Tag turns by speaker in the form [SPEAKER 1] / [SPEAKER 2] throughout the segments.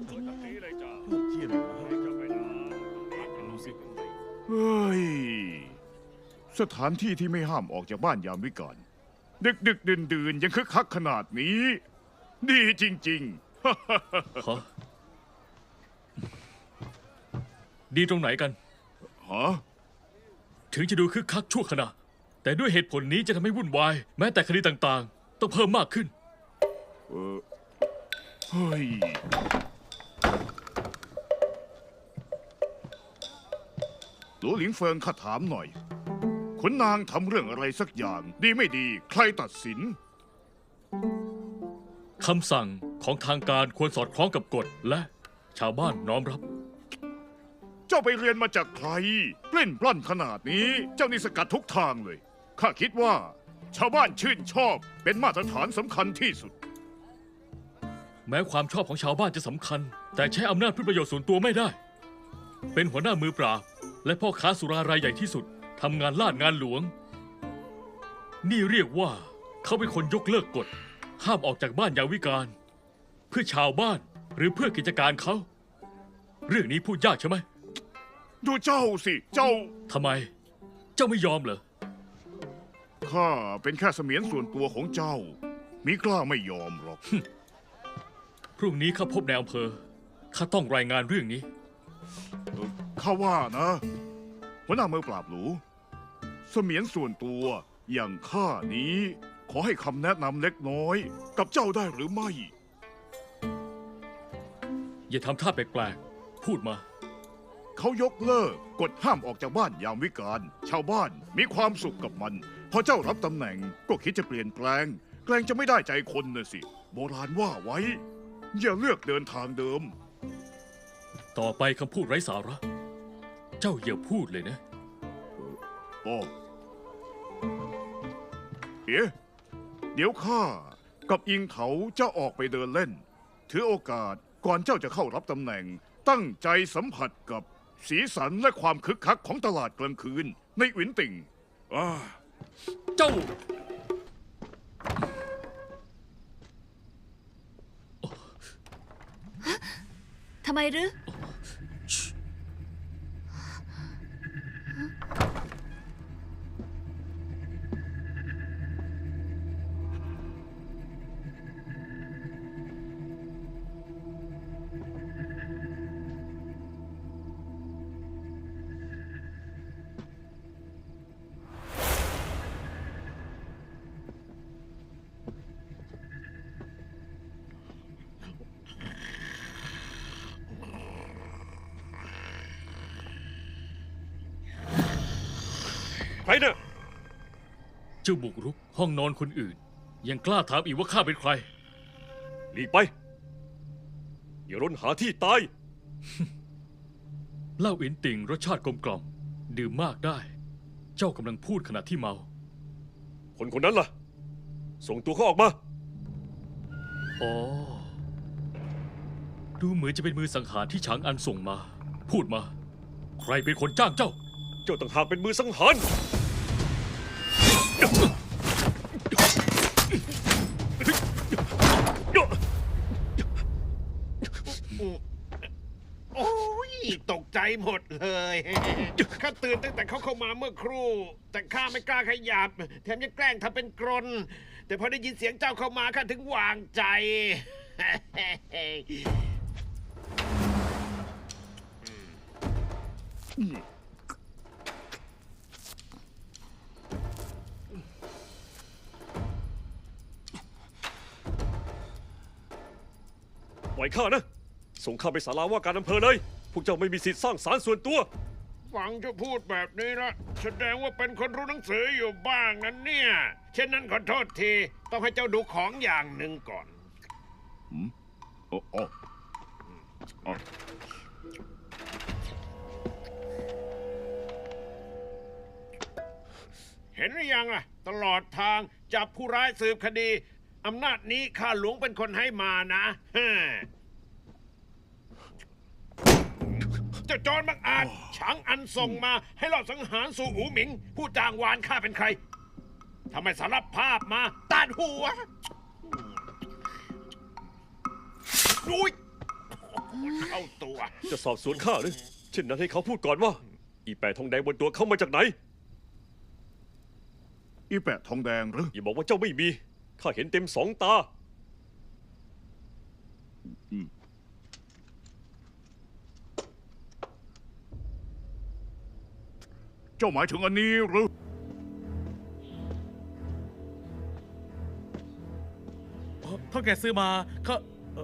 [SPEAKER 1] ริงๆเลย
[SPEAKER 2] ลูกเทียนเหรอดูสิ
[SPEAKER 3] เฮ้ย สถานที่ที่ไม่ห้ามออกจากบ้านยามวิกาลดึกดึกดื่นดื่นยังคึกคักขนาดนี้ ดีจริง
[SPEAKER 1] ฮะดีตรงไหนกัน
[SPEAKER 3] ๆ ฮะ
[SPEAKER 1] ถึงจะดูคึกคักชั่วขณะ แต่ด้วยเหตุผลนี้จะทำให้วุ่นวาย แม้แต่คดีต่างๆ ต้องเพิ่มมากขึ้น
[SPEAKER 3] เฮ้ย หลวหลิงเฟิงข้าถามหน่อยขุนนางทำเรื่องอะไรสักอย่าง ดีไม่ดี ใครตัดสิน
[SPEAKER 1] คำสั่งของทางการควรสอดคล้องกับกฎและชาวบ้านน้อมรับ
[SPEAKER 3] เจ้าไปเรียนมาจากใครปลิ้นปล้อนขนาดนี้ เจ้านี่สกัดทุกทางเลย ข้าคิดว่า ชาวบ้านชื่นชอบเป็นมาตรฐานสำคัญที่สุด
[SPEAKER 1] แม้ความชอบของชาวบ้านจะสำคัญ แต่ใช้อำนาจเพื่อประโยชน์ส่วนตัวไม่ได้ เป็นหัวหน้ามือปราบ และพ่อค้าสุรารายใหญ่ที่สุดทำงานลาดงานหลวง นี่เรียกว่าเขาเป็นคนยกเลิกกฎ ห้ามออกจากบ้านยามวิกาลเพื่อชาวบ้านหรือเพื่อกิจการเขา เรื่องนี้พูดยากใช่ไหม
[SPEAKER 3] ดูเจ้าสิ เจ้า
[SPEAKER 1] ทำไม เจ้าไม่ยอมเหรอ
[SPEAKER 3] ข้าเป็นแค่เสมียนส่วนตัวของเจ้า มิกล้าไม่ยอมหรอก
[SPEAKER 1] พรุ่งนี้ข้าพบในอำเภอข้าต้องรายงานเรื่องนี้
[SPEAKER 3] ข้าว่านะหัวหน้ามือปราบหรูเสมียนส่วนตัวอย่างข้านี้ ขอให้คำแนะนำเล็กน้อย กับเจ้าได้หรือไม่
[SPEAKER 1] อย่าทำท่าแปลกๆ พูดมา
[SPEAKER 3] เขายกเลิกกฎห้ามออกจากบ้านยามวิกาลชาวบ้านมีความสุขกับมัน พอเจ้ารับตำแหน่งก็คิดจะเปลี่ยนแปลง แกล้งจะไม่ได้ใจคนน่ะสิ โบราณว่าไว้ อย่าเลือกเดินทางเดิม
[SPEAKER 1] ต่อไปคำพูดไร้สาระ เจ้าอย่าพูดเลยนะ
[SPEAKER 3] โอ้เอ๊ะเดี๋ยวข้ากับอิงเถาจะออกไปเดินเล่น ถือโอกาสก่อนเจ้าจะเข้ารับตำแหน่ง ตั้งใจสัมผัสกับสีสันและความคึกคักของตลาดกลางคืน ในหวินติ่ง
[SPEAKER 1] เจ้า
[SPEAKER 4] ทำไมหรือ
[SPEAKER 5] ใครเนี่ย
[SPEAKER 1] เจ้าบุกรุกห้องนอนคนอื่น ยังกล้าถามอีกว่าข้าเป็นใคร
[SPEAKER 5] หลีกไป อย่าร้นหาที่ตาย
[SPEAKER 1] เหล้าอินติ่งรสชาติกลมกล่อม ดื่มมากได้ เจ้ากำลังพูดขณะที่เมา
[SPEAKER 5] คนคนนั้นล่ะ ส่งตัวเขาออกมา
[SPEAKER 1] อ๋อ ดูเหมือนจะเป็นมือสังหารที่ฉางอันส่งมา พูดมา ใครเป็นคนจ้างเจ้า
[SPEAKER 5] เจ้าต่างหากเป็นมือสังหาร
[SPEAKER 6] โอ้ยตกใจหมดเลยข้าตื่นตั้งแต่เขาเข้ามาเมื่อครู่ แต่ข้าไม่กล้าขยับ แถมยังแกล้งทำเป็นกรน แต่พอได้ยินเสียงเจ้าเข้ามาข้าถึงวางใจ
[SPEAKER 5] ปล่อยข้านะ ส่งข้าไปศาลาว่าการอำเภอเลย พวกเจ้าไม่มีสิทธิ์สร้างศาลส่วนตัว
[SPEAKER 6] ฟังเจ้าพูดแบบนี้ละแสดงว่าเป็นคนรู้หนังสืออยู่บ้างนั้นเนี่ย เช่นนั้นขอโทษที ต้องให้เจ้าดูของอย่างหนึ่งก่อน
[SPEAKER 3] โอ้โอ้อ๋อ
[SPEAKER 6] เห็นหรือยังล่ะ ตลอดทางจับผู้ร้ายสืบคดีอำนาจนี้ข้าหลวงเป็นคนให้มานะฮ่าเจ้าจอนบังอาจฉางอันส่งมาให้ลอบสังหารสู่อูหมิง ผู้จ้างวานข้าเป็นใครทำไมสารภาพมาตัดหัวอุ้ยคนเข้าตัว
[SPEAKER 5] จะสอบสวนข้าหรือเช่นนั้นให้เขาพูดก่อนว่า อีแปะทองแดงบนตัวเขามาจากไหน
[SPEAKER 3] อีแปะทองแดงหรือ
[SPEAKER 5] อย่าบอกว่าเจ้าไม่มี ข้าเห็นเต็มสองตา
[SPEAKER 3] เจ้าหมายถึงอันนี้หรือ
[SPEAKER 2] เท่าแกซื้อมาเขา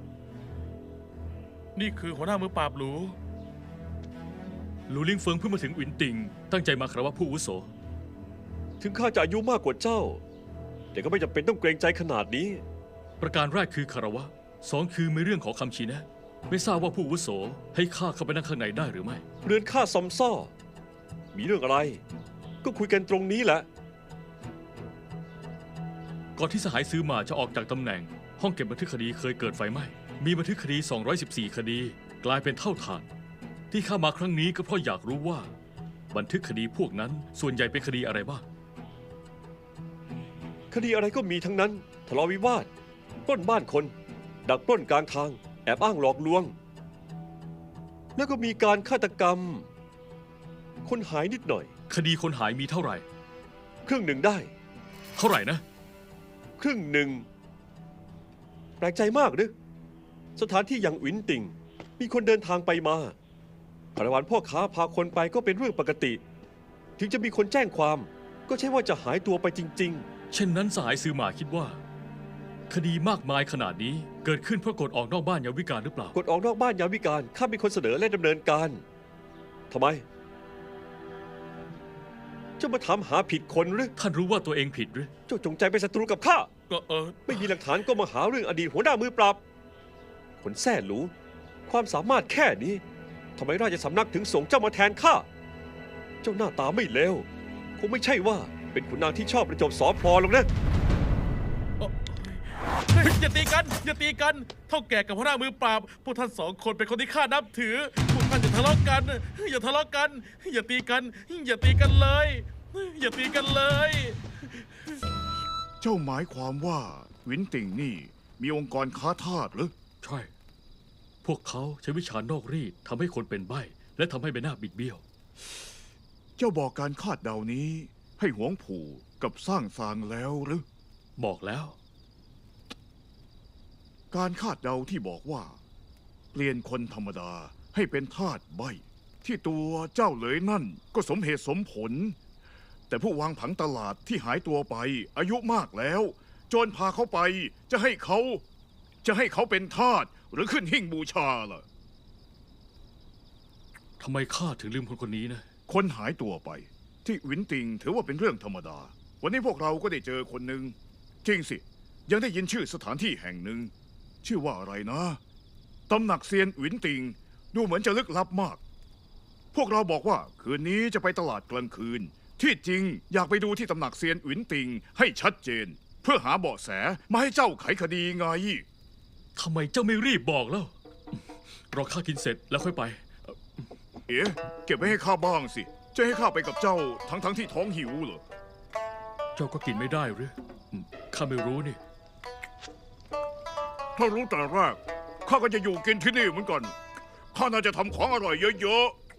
[SPEAKER 2] นี่คือหัวหน้ามือปราบหรู
[SPEAKER 1] หลูลิงเฟิงเพิ่งมาถึงอินติง ตั้งใจมาคารวะผู้อาวุโส
[SPEAKER 5] ถึงข้าจะอายุมากกว่าเจ้า แต่ก็ไม่จำเป็นต้องเกรงใจขนาดนี้
[SPEAKER 1] ประการแรกคือคารวะสองคือมีเรื่องขอคำชี้แนะ ไม่ทราบว่าผู้อาวุโสให้ข้าเข้าไปนั่งข้างในได้หรือไม่
[SPEAKER 5] เรือนข้าซอมซ่อ มีเรื่องอะไร ก็คุยกันตรงนี้แหละ
[SPEAKER 1] ก่อนที่สหายซื้อมาจะออกจากตำแหน่ง ห้องเก็บบันทึกคดีเคยเกิดไฟไหม้ มีบันทึกคดี 214 คดี กลายเป็นเท่าฐาน ที่ข้ามาครั้งนี้ก็เพราะอยากรู้ว่า บันทึกคดีพวกนั้นส่วนใหญ่เป็นคดีอะไรบ้าง
[SPEAKER 5] คดีอะไรก็มีทั้งนั้น ทะเลาะวิวาท ปล้นบ้านคน ดักปล้นกลางทาง แอบอ้างหลอกลวง แล้วก็มีการฆาตกรรม คนหายนิดหน่อย
[SPEAKER 1] คดีคนหายมีเท่าไหร่
[SPEAKER 5] ครึ่งหนึ่งได้
[SPEAKER 1] เท่าไหร่นะ
[SPEAKER 5] ครึ่งหนึ่ง แปลกใจมากหรือสถานที่อย่างอินติง มีคนเดินทางไปมาคาราวานพ่อค้าพาคนไปก็เป็นเรื่องปกติ ถึงจะมีคนแจ้งความ ก็ใช่ว่าจะหายตัวไปจริง
[SPEAKER 1] เช่นนั้นสหายซื้อมาคิดว่า คดีมากมายขนาดนี้เกิดขึ้นเพราะกฎออกนอกบ้านยามวิกาลหรือเปล่า
[SPEAKER 5] ๆ กดออกนอกบ้านยามวิกาลข้าเป็นคนเสนอและดำเนินการทำไม เจ้ามาถามหาผิดคนหรือ
[SPEAKER 1] ท่านรู้ว่าตัวเองผิดหรือ
[SPEAKER 5] เจ้าจงใจเป็นศัตรูกับข้า
[SPEAKER 2] ก็
[SPEAKER 5] ไม่มีหลักฐานก็มาหาเรื่องอดีตหัวหน้ามือปราบ คนแท้หรูความสามารถแค่นี้ทำไมราชสำนักถึงส่งเจ้ามาแทนข้า เจ้าหน้าตาไม่เลวคงไม่ใช่ว่าเป็นขุนนางที่ชอบประจบสอพลอหรอกนะ
[SPEAKER 2] เฮ้ยอย่าตีกัน อย่าตีกัน เท่าแก่กับหัวหน้ามือปราบ พวกท่านสองคนเป็นคนที่ข้านับถือ พวกท่านอย่าทะเลาะกัน อย่าทะเลาะกัน อย่าตีกัน อย่าตีกันเลย อย่าตีกันเลย
[SPEAKER 3] เจ้าหมายความว่าวินติงนี่มีองค์กรค้าทาสหรือ
[SPEAKER 1] ใช่ พวกเขาใช้วิชานอกรีดทำให้คนเป็นใบ้และทำให้ใบหน้าบิดเบี้ยว
[SPEAKER 3] เจ้าบอกการคาดเดานี้ ให้หวงผู่กับสร้างสางแล้วหรือ
[SPEAKER 1] บอกแล้ว
[SPEAKER 3] การคาดเดาที่บอกว่า เปลี่ยนคนธรรมดาให้เป็นทาสใบ ที่ตัวเจ้าเหลยนั่นก็สมเหตุสมผล แต่ผู้วางผังตลาดที่หายตัวไปอายุมากแล้ว โจรพาเขาไปจะให้เขาเป็นทาสหรือขึ้นหิ้งบูชาล่ะ
[SPEAKER 1] ทำไมข้าถึงลืมคนคนนี้นะ
[SPEAKER 3] คนหายตัวไป ที่วินติงถือว่าเป็นเรื่องธรรมดา วันนี้พวกเราก็ได้เจอคนหนึ่งจริงสิ ยังได้ยินชื่อสถานที่แห่งหนึ่ง ชื่อว่าอะไรนะตำหนักเซียนวินติง ดูเหมือนจะลึกลับมาก พวกเราบอกว่าคืนนี้จะไปตลาดกลางคืน ที่จริงอยากไปดูที่ตำหนักเซียนวินติงให้ชัดเจน เพื่อหาเบาะแสมาให้เจ้าไขคดีไง
[SPEAKER 1] ทำไมเจ้าไม่รีบบอกแล้ว รอข้ากินเสร็จแล้วค่อยไป
[SPEAKER 3] เอ๊ะเก็บไว้ให้ข้าบ้างสิ จะให้ข้าไปกับเจ้าทั้งที่ท้องหิวเหรอ
[SPEAKER 1] เจ้าก็กินไม่ได้หรือข้าไม่รู้นี่
[SPEAKER 3] ถ้ารู้แต่แรกข้าก็จะอยู่กินที่นี่เหมือนกัน ข้าน่าจะทำของอร่อยเยอะๆ